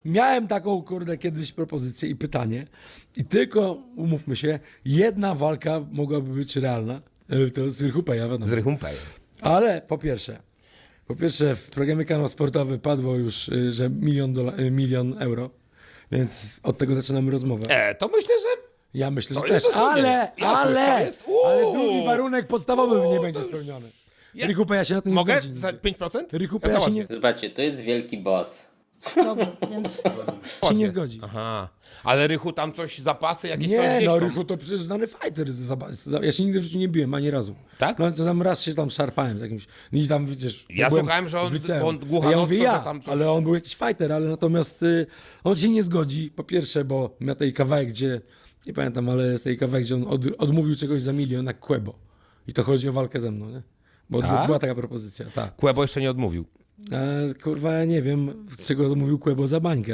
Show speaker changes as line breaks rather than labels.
miałem taką, kurde, kiedyś propozycję i pytanie i tylko, umówmy się, jedna walka mogłaby być realna. To z Rychupeja, wiadomo.
Z Rychumpejem.
Ale po pierwsze, w programie Kanał Sportowy padło już, że milion euro, więc od tego zaczynamy rozmowę.
To myślę, że...
Ja myślę, że
To
też,
jest zrozumienie.
ale
To jest?
drugi warunek podstawowy nie będzie spełniony.
Ja-
Rychupeja się na to nie
Mogę?
zgodzi.
Za 5%?
Rychupeja się nie,
Zobaczcie, to jest wielki boss.
dobra, więc się nie zgodzi.
Aha. Ale Rychu tam coś, zapasy jakieś coś
Nie,
gdzieś
no
tam.
Rychu to przecież znany fighter. Ja się nigdy w życiu nie biłem, ani razu.
Tak?
No co tam raz się tam szarpałem z jakimś. I tam widzisz.
Ja
byłem
słuchałem, że on-
w liceum.
bo on głucha
Ja
nos,
mówię
to,
ja,
że tam coś-
ale on był jakiś fighter, ale natomiast on się nie zgodzi. Po pierwsze, bo miał tej kawałek, gdzie nie pamiętam, ale jest tej kawałek, gdzie on odmówił czegoś za milion na Quebo. I to chodzi o walkę ze mną, nie? Bo
Tak?
była taka propozycja, tak.
Kłebo jeszcze nie odmówił.
Kurwa, ja nie wiem, z czego odmówił Quebo za bańkę.